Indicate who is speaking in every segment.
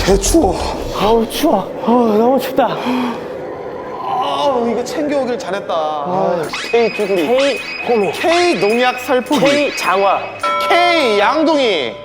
Speaker 1: 개 추워.
Speaker 2: 아우 추워. 너무 춥다.
Speaker 1: 이거 챙겨오길 잘했다.
Speaker 2: K 쭈구리, K 호미,
Speaker 1: K 농약 살포기,
Speaker 2: K 장화.
Speaker 1: K 양동이.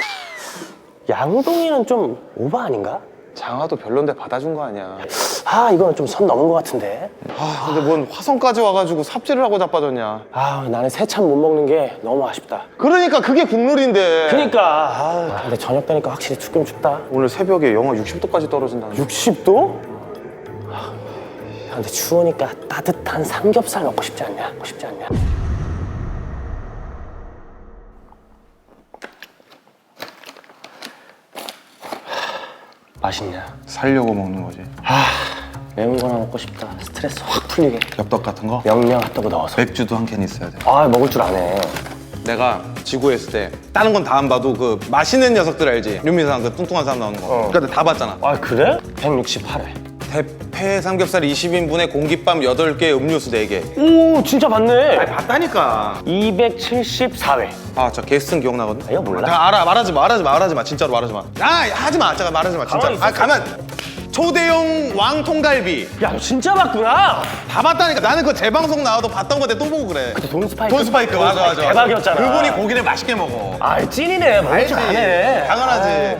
Speaker 2: 양동이는 좀 오버 아닌가?
Speaker 1: 장화도 별론데 받아준 거 아니야.
Speaker 2: 아 이거는 좀 선 넘은 것 같은데.
Speaker 1: 근데 뭔 화성까지 와가지고 삽질을 하고 자빠졌냐.
Speaker 2: 나는 새참 못 먹는 게 너무 아쉽다.
Speaker 1: 그러니까 그게 국룰인데.
Speaker 2: 그니까 근데 저녁 되니까 확실히 춥긴 춥다.
Speaker 1: 오늘 새벽에 영하 60도까지 떨어진다.
Speaker 2: 60도? 근데 추우니까 따뜻한 삼겹살 먹고 싶지 않냐? 맛있냐?
Speaker 1: 살려고 먹는 거지.
Speaker 2: 매운 거나 먹고 싶다. 스트레스 확 풀리게.
Speaker 1: 엽떡 같은 거?
Speaker 2: 명량 핫도그 넣어서.
Speaker 1: 맥주도 한 캔 있어야 돼.
Speaker 2: 먹을 줄 아네.
Speaker 1: 내가 지구에 있을 때 다른 건 다 안 봐도 그 맛있는 녀석들 알지? 윤미상 그 뚱뚱한 사람 나오는 거. 그러니까 다 봤잖아.
Speaker 2: 그래? 168회.
Speaker 1: 대패 삼겹살 20인분에 공깃밥 8개, 음료수 4개.
Speaker 2: 오 진짜 봤네.
Speaker 1: 봤다니까.
Speaker 2: 274회.
Speaker 1: 저 게스트는 기억나거든?
Speaker 2: 이거 몰라?
Speaker 1: 알아. 말하지 마. 진짜로 말하지 마. 하지 마. 잠깐 말하지 마. 진짜.
Speaker 2: 가만히 있어.
Speaker 1: 가만. 초대형 왕통갈비.
Speaker 2: 야 너 진짜 봤구나.
Speaker 1: 다 봤다니까. 나는 그 재방송 나와도 봤던 건데 또 보고 그래.
Speaker 2: 돈 스파이크.
Speaker 1: 돈 스파이크. 맞아.
Speaker 2: 대박이었잖아.
Speaker 1: 그분이 고기를 맛있게 먹어.
Speaker 2: 찐이네. 먹을 줄 아네.
Speaker 1: 당연하지.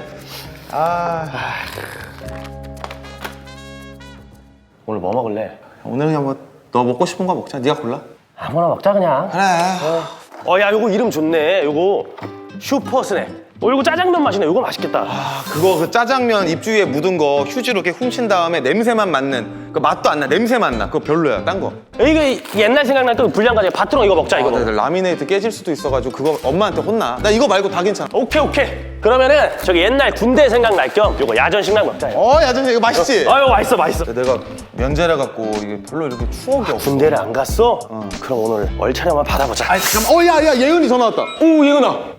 Speaker 2: 오늘 뭐 먹을래?
Speaker 1: 오늘 그냥 뭐 너 먹고 싶은 거 먹자. 네가 골라.
Speaker 2: 아무나 먹자 그냥.
Speaker 1: 그래.
Speaker 2: 야 요거 이름 좋네. 요거 슈퍼 스낵. 요거 짜장면 맛이네. 요거 맛있겠다.
Speaker 1: 그거 그 짜장면 입주위에 묻은 거 휴지로 이렇게 훔친 다음에 냄새만 맡는 그 맛도 안 나. 냄새만 나. 그거 별로야. 딴 거.
Speaker 2: 이게 옛날 생각날 또 불량가지 바트롱 이거 먹자 이거.
Speaker 1: 라미네이트 깨질 수도 있어가지고 그거 엄마한테 혼나. 나 이거 말고 다 괜찮아.
Speaker 2: 오케이. 그러면은 저기 옛날 군대 생각날 겸 요거 야전식량 먹자.
Speaker 1: 야전식 이거 맛있지?
Speaker 2: 이거 맛있어.
Speaker 1: 내가 면제라 갖고 이게 별로 이렇게 추억이 없어.
Speaker 2: 군대를 안 갔어? 그럼 오늘 얼차려 한번 받아보자.
Speaker 1: 잠깐만. 야 예은이 전화 왔다.
Speaker 2: 오 예은아.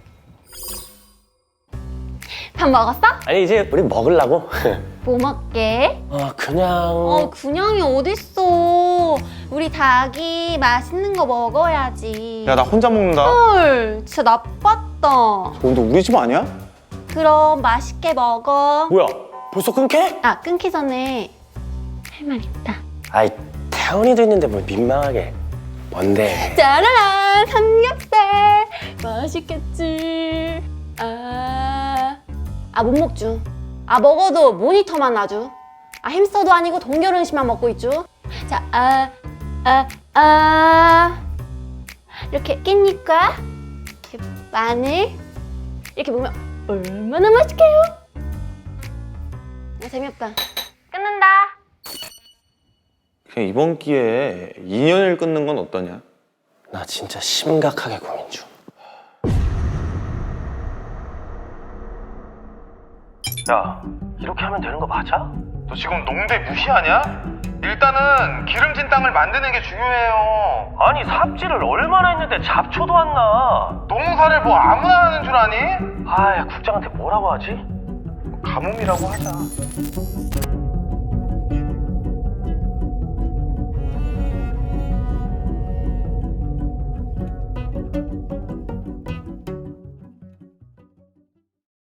Speaker 3: 밥 먹었어?
Speaker 2: 아니 이제 우리 먹으려고.
Speaker 3: 뭐 먹게?
Speaker 2: 그냥.
Speaker 3: 그냥이 어딨어. 우리 닭이 맛있는 거 먹어야지.
Speaker 1: 야 나 혼자 먹는다.
Speaker 3: 헐, 진짜 나빴다.
Speaker 1: 근데 우리 집 아니야?
Speaker 3: 그럼 맛있게 먹어.
Speaker 2: 뭐야? 벌써 끊게?
Speaker 3: 끊기 전에 할 말 있다.
Speaker 2: 아이 태훈이도 있는데 뭘 민망하게. 뭔데?
Speaker 3: 짜라란 삼겹살 맛있겠지. 못 먹죠. 먹어도 모니터만 아주. 햄스터도 아니고 동결음식만 먹고 있죠. 자, 이렇게 깻잎과 이렇게 마늘 이렇게 먹으면 얼마나 맛있게요. 재미없다. 끊는다.
Speaker 1: 그냥 이번 기회에 인연을 끊는 건 어떠냐?
Speaker 2: 나 진짜 심각하게 고민 중. 야, 이렇게 하면 되는 거 맞아?
Speaker 1: 너 지금 농대 무시하냐? 일단은 기름진 땅을 만드는 게 중요해요.
Speaker 2: 아니 삽질을 얼마나 했는데 잡초도 안 나.
Speaker 1: 농사를 뭐 아무나 하는 줄 아니?
Speaker 2: 야 국장한테 뭐라고 하지?
Speaker 1: 가뭄이라고 하자.